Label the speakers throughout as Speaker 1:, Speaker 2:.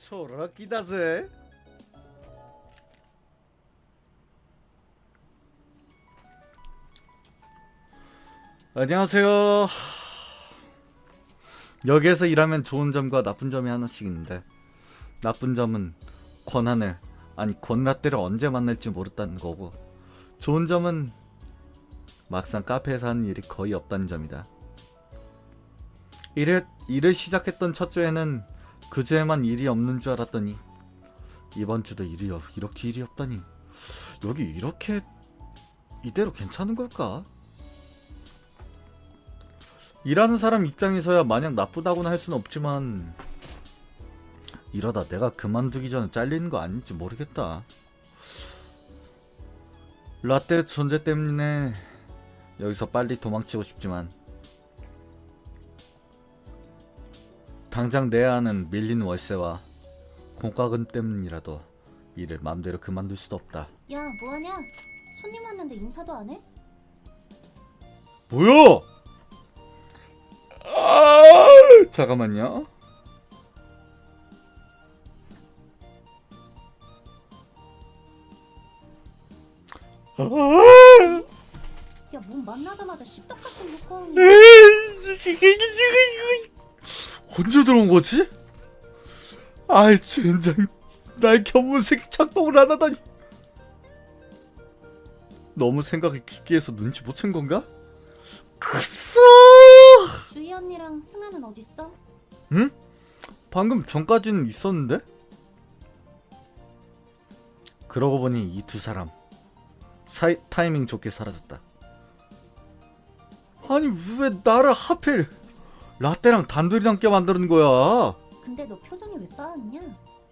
Speaker 1: 초라끼다 ぜ. 안녕하세요. 여기에서 일하면 좋은 점과 나쁜 점이 하나씩 있는데, 나쁜 점은 권한을, 아니 권라떼를 언제 만날지 모른다는 거고, 좋은 점은 막상 카페에서 하는 일이 거의 없다는 점이다. 일을 시작했던 첫 주에는 그 주에만 일이 없는 줄 알았더니 이번 주도 이렇게 일이 없다니, 여기 이렇게 이대로 괜찮은 걸까? 일하는 사람 입장에서야 마냥 나쁘다고는 할 수는 없지만, 이러다 내가 그만두기 전에 잘리는 거 아닌지 모르겠다. 라떼 존재 때문에 여기서 빨리 도망치고 싶지만, 당장 내야 하는 밀린 월세와 공과금 때문이라도 일을 맘대로 그만둘 수도 없다.
Speaker 2: 야, 뭐하냐? 손님 왔는데 인사도 안 해?
Speaker 1: 뭐야? 잠깐만요.
Speaker 2: 야, 몸 만나자마자 씹덕 같은 효과음이.
Speaker 1: 언제 들어온 거지? 아이 젠장, 날 견문색 작동을 안 하다니. 너무 생각이 깊게 해서 눈치 못 챈 건가? 크쏘!
Speaker 2: 주희 언니랑 승아는 어딨어?
Speaker 1: 응? 방금 전까지는 있었는데? 그러고 보니 이 두 사람 타이밍 좋게 사라졌다. 아니 왜 나를 하필 라떼랑 단둘이 남게 만드는 거야?
Speaker 2: 근데 너 표정이 왜 빠았냐?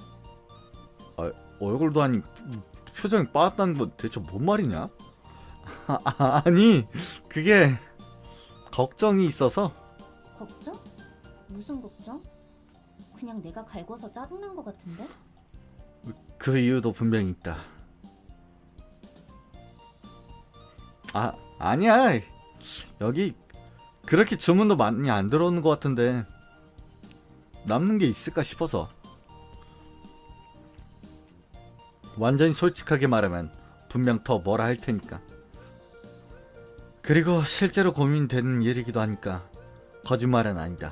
Speaker 1: 얼굴도 아니 표정이 빠졌다는 건 대체 뭔 말이냐? 아니 그게 걱정이 있어서.
Speaker 2: 걱정? 무슨 걱정? 그냥 내가 갈궈서 짜증난 거 같은데?
Speaker 1: 그 이유도 분명히 있다. 아니야. 여기 그렇게 주문도 많이 안 들어오는 것 같은데 남는 게 있을까 싶어서. 완전히 솔직하게 말하면 분명 더 뭐라 할 테니까. 그리고 실제로 고민되는 일이기도 하니까 거짓말은 아니다.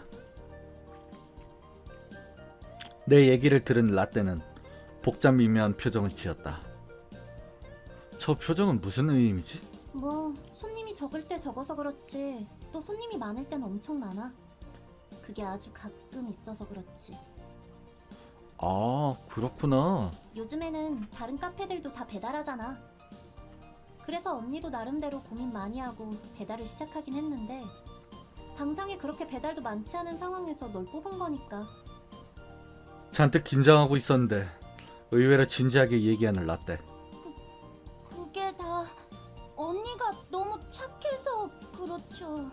Speaker 1: 내 얘기를 들은 라떼는 복잡 미묘한 표정을 지었다. 저 표정은 무슨 의미지?
Speaker 2: 뭐 손님이 적을 때 적어서 그렇지, 또 손님이 많을 땐 엄청 많아. 그게 아주 가끔 있어서 그렇지.
Speaker 1: 아, 그렇구나.
Speaker 2: 요즘에는 다른 카페들도 다 배달하잖아. 그래서 언니도 나름대로 고민 많이 하고 배달을 시작하긴 했는데, 당장에 그렇게 배달도 많지 않은 상황에서 널 뽑은 거니까.
Speaker 1: 잔뜩 긴장하고 있었는데 의외로 진지하게 얘기하는 라떼.
Speaker 2: 그게 다 언니가 너무 착해서 그렇죠.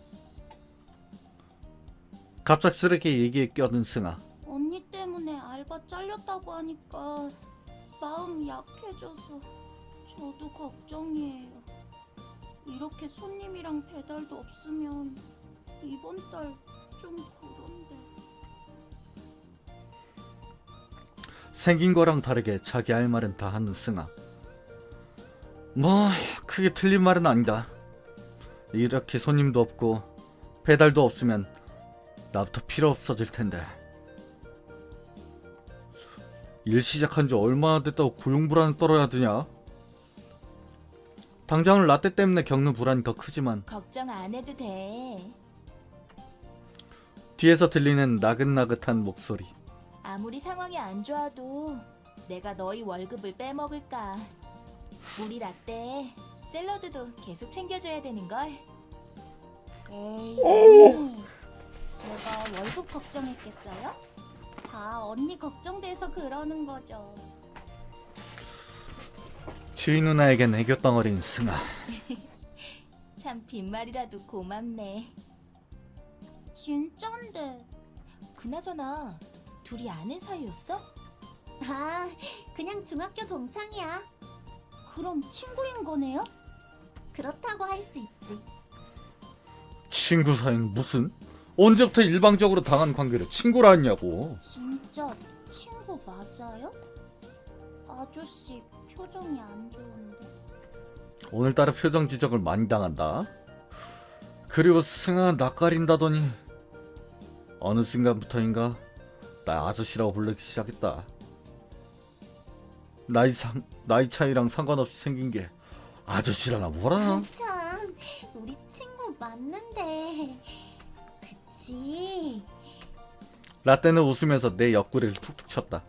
Speaker 1: 갑작스럽게 얘기에 껴든 승아.
Speaker 2: 언니 때문에 알바 잘렸다고 하니까 마음 약해져서 저도 걱정이에요. 이렇게 손님이랑 배달도 없으면 이번 달 좀 그런데.
Speaker 1: 생긴 거랑 다르게 자기 할 말은 다 하는 승아. 뭐 크게 틀린 말은 아니다. 이렇게 손님도 없고 배달도 없으면 나부터 필요 없어질 텐데. 일 시작한 지 얼마나 됐다고 고용불안을 떨어야 되냐? 당장은 라떼 때문에 겪는 불안이 더 크지만
Speaker 2: 걱정 안 해도 돼.
Speaker 1: 뒤에서 들리는 나긋나긋한 목소리.
Speaker 3: 아무리 상황이 안 좋아도 내가 너희 월급을 빼먹을까. 우리 라떼 샐러드도 계속 챙겨줘야 되는걸.
Speaker 2: 에이, 언니. 제가 월급 걱정했겠어요? 다 언니 걱정돼서 그러는 거죠.
Speaker 1: 주인 누나에겐 애교 덩어리인 승아.
Speaker 3: 참 빈말이라도 고맙네.
Speaker 2: 진짠데.
Speaker 3: 그나저나 둘이 아는 사이였어?
Speaker 2: 아, 그냥 중학교 동창이야. 그럼 친구인 거네요? 그렇다고 할 수 있지.
Speaker 1: 친구 사이는 무슨? 언제부터 일방적으로 당한 관계를 친구라 했냐고.
Speaker 2: 진짜 친구 맞아요? 아저씨 표정이 안 좋은데.
Speaker 1: 오늘따라 표정 지적을 많이 당한다. 그리고 승아 낯가린다더니 어느 순간부터인가 나 아저씨라고 부르기 시작했다. 나이 차이랑 상관없이 생긴 게 아저씨라나 뭐라.
Speaker 2: 참, 우리 친구 맞는데. 그치?
Speaker 1: 라떼는 웃으면서 내 옆구리를 툭툭 쳤다.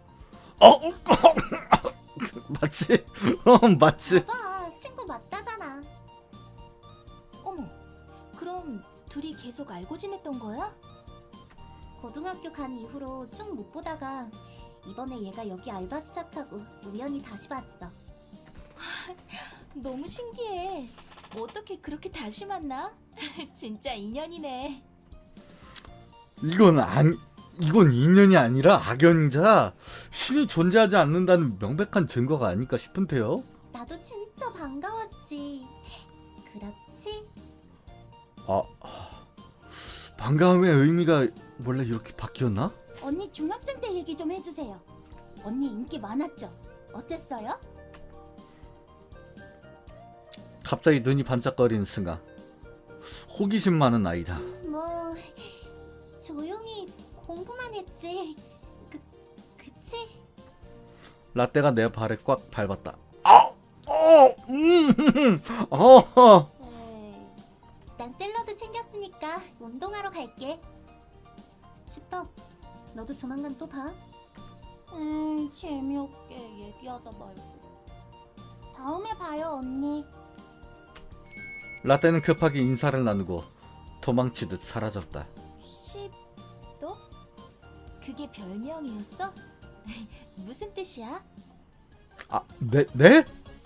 Speaker 1: 맞지? 맞지?
Speaker 2: 봐봐, 친구 맞다잖아.
Speaker 3: 어머, 그럼 둘이 계속 알고 지냈던 거야?
Speaker 2: 고등학교 간 이후로 쭉 못 보다가 이번에 얘가 여기 알바 시작하고 우연히 다시 봤어.
Speaker 3: 너무 신기해. 어떻게 그렇게 다시 만나? 진짜 인연이네.
Speaker 1: 이건 인연이 아니라 악연이자 신이 존재하지 않는다는 명백한 증거가 아닐까 싶은데요.
Speaker 2: 나도 진짜 반가웠지. 그렇지?
Speaker 1: 반가움의 의미가 원래 이렇게 바뀌었나?
Speaker 2: 언니 중학생 때 얘기 좀 해주세요. 언니 인기 많았죠? 어땠어요?
Speaker 1: 갑자기 눈이 반짝거리는 승아. 호기심 많은 아이다.
Speaker 2: 뭐 조용히 공부만 했지. 그치?
Speaker 1: 라떼가 내 발을 꽉 밟았다.
Speaker 2: 난 샐러드 챙겼으니까 운동하러 갈게. 십덕, 너도 조만간 또 봐. 재미없게 얘기하다 말고. 다음에 봐요, 언니.
Speaker 1: 라떼는 급하게 인사를 나누고 도망치듯 사라졌다.
Speaker 3: 십도? 그게 별명이었어? 무슨 뜻이야?
Speaker 1: 네?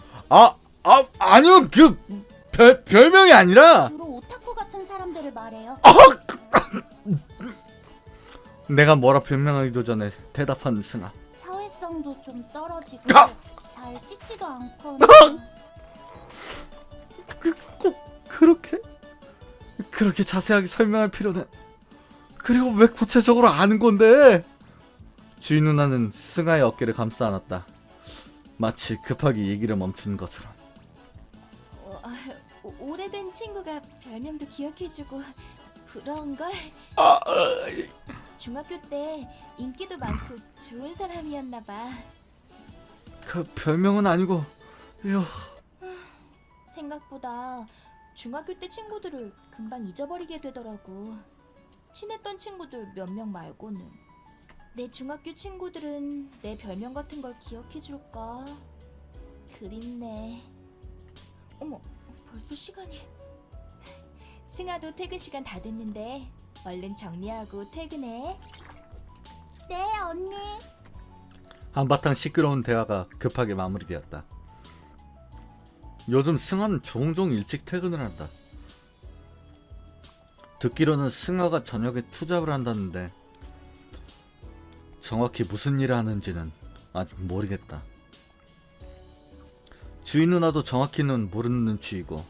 Speaker 1: 아니요, 별명이 아니라
Speaker 2: 주로 오타쿠 같은 사람들을 말해요.
Speaker 1: 내가 뭐라 변명하기도 전에 대답한 승아.
Speaker 2: 사회성도 좀 떨어지고 잘 씻지도 않고.
Speaker 1: 꼭 그렇게 자세하게 설명할 필요는. 그리고 왜 구체적으로 아는 건데? 주인 누나는 승아의 어깨를 감싸 안았다. 마치 급하게 얘기를 멈춘 것처럼.
Speaker 3: 오래된 친구가 별명도 기억해주고 부러운걸? 중학교 때 인기도 많고 좋은 사람이었나봐.
Speaker 1: 그 별명은 아니고,
Speaker 3: 생각보다 중학교 때 친구들을 금방 잊어버리게 되더라고. 친했던 친구들 몇 명 말고는. 내 중학교 친구들은 내 별명 같은 걸 기억해줄까? 그립네. 어머, 벌써 시간이. 승아도 퇴근 시간 다 됐는데 얼른 정리하고 퇴근해.
Speaker 2: 네, 언니.
Speaker 1: 한바탕 시끄러운 대화가 급하게 마무리되었다. 요즘 승아는 종종 일찍 퇴근을 한다. 듣기로는 승아가 저녁에 투잡을 한다는데 정확히 무슨 일을 하는지는 아직 모르겠다. 주인 누나도 정확히는 모르는 눈치이고,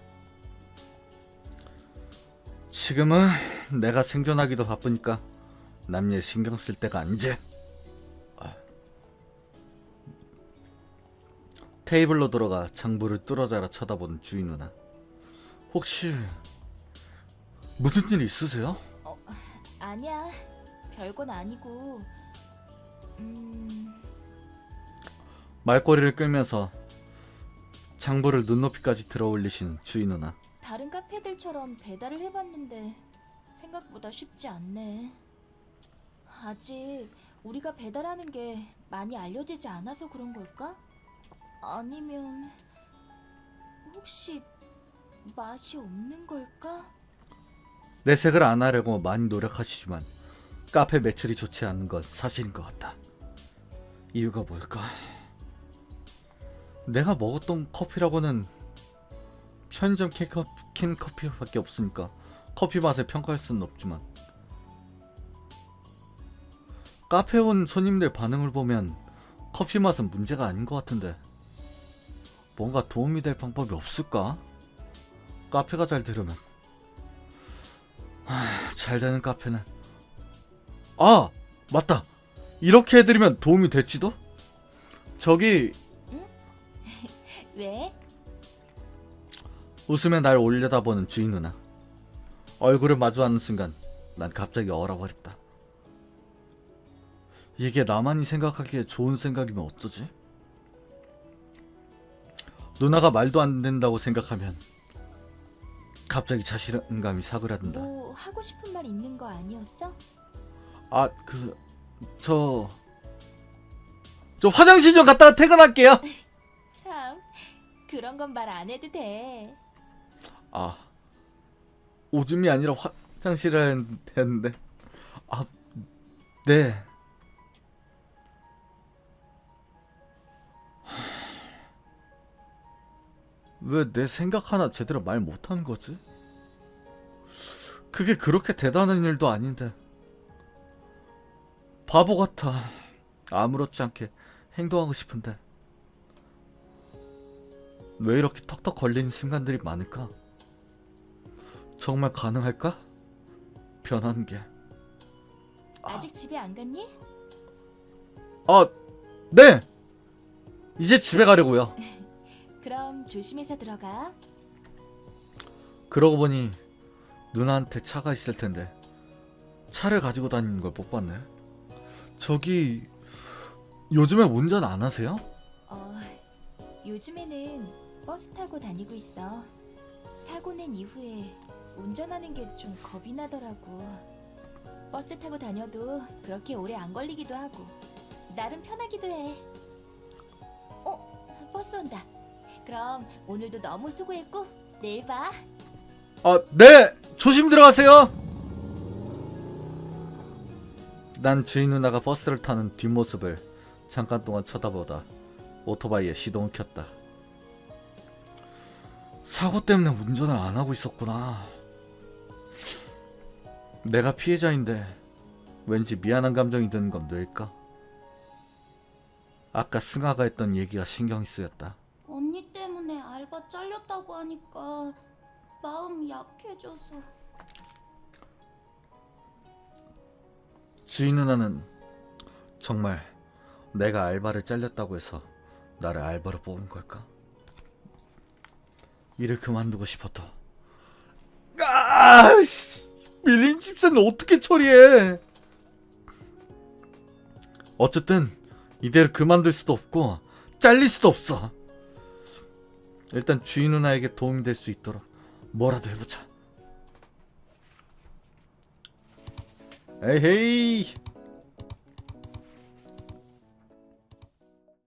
Speaker 1: 지금은 내가 생존하기도 바쁘니까 남일 신경 쓸 때가 아니지. 테이블로 들어가 장부를 뚫어져라 쳐다보는 주인 누나. 혹시 무슨 일 있으세요?
Speaker 3: 아니야, 별건 아니고.
Speaker 1: 말꼬리를 끌면서 장부를 눈높이까지 들어 올리신 주인 누나.
Speaker 3: 다른 카페들처럼 배달을 해봤는데 생각보다 쉽지 않네. 아직 우리가 배달하는 게 많이 알려지지 않아서 그런 걸까? 아니면 혹시 맛이 없는 걸까?
Speaker 1: 내색을 안 하려고 많이 노력하시지만 카페 매출이 좋지 않은 건 사실인 것 같다. 이유가 뭘까? 내가 먹었던 커피라고는 편의점 캔 커피밖에 없으니까 커피 맛을 평가할 수는 없지만, 카페 온 손님들 반응을 보면 커피 맛은 문제가 아닌 것 같은데 뭔가 도움이 될 방법이 없을까? 카페가 잘 되려면. 참 잘 되는 카페는 아 맞다 이렇게 해드리면 도움이 될지도? 저기
Speaker 3: 왜?
Speaker 1: 웃으며 날 올려다보는 주인 누나. 얼굴을 마주하는 순간 난 갑자기 얼어버렸다. 이게 나만이 생각하기에 좋은 생각이면 어쩌지? 누나가 말도 안 된다고 생각하면 갑자기 자신감이 사그라든다.
Speaker 3: 뭐 하고 싶은 말 있는 거 아니었어?
Speaker 1: 아, 저 화장실 좀 갔다가 퇴근할게요.
Speaker 3: 참, 그런 건 말 안 해도 돼.
Speaker 1: 아, 오줌이 아니라 화장실을 했는데. 아, 네. 왜 내 생각 하나 제대로 말 못하는 거지? 그게 그렇게 대단한 일도 아닌데. 바보 같아. 아무렇지 않게 행동하고 싶은데. 왜 이렇게 턱턱 걸리는 순간들이 많을까? 정말 가능할까? 변하는 게.
Speaker 3: 아직 집에 안 갔니?
Speaker 1: 아, 네! 이제 집에 가려고요.
Speaker 3: 그럼 조심해서 들어가.
Speaker 1: 그러고 보니 누나한테 차가 있을 텐데 차를 가지고 다니는 걸 못 봤네. 저기 요즘에 운전 안 하세요?
Speaker 3: 요즘에는 버스 타고 다니고 있어. 사고 낸 이후에 운전하는 게 좀 겁이 나더라고. 버스 타고 다녀도 그렇게 오래 안 걸리기도 하고 나름 편하기도 해. 버스 온다. 그럼 오늘도 너무 수고했고 내일 봐.
Speaker 1: 아, 네! 조심 들어가세요! 난 주인 누나가 버스를 타는 뒷모습을 잠깐 동안 쳐다보다 오토바이에 시동을 켰다. 사고 때문에 운전을 안 하고 있었구나. 내가 피해자인데 왠지 미안한 감정이 드는 건 왜일까? 아까 승아가 했던 얘기가 신경이 쓰였다.
Speaker 2: 언니 때문에 알바 잘렸다고 하니까 마음 약해져서.
Speaker 1: 주인 누나는 정말 내가 알바를 잘렸다고 해서 나를 알바로 뽑은 걸까? 일을 그만두고 싶어도 아씨 밀린 집세는 어떻게 처리해? 어쨌든 이대로 그만둘 수도 없고 잘릴 수도 없어. 일단 주인 누나에게 도움이 될 수 있도록 뭐라도 해보자. 에헤이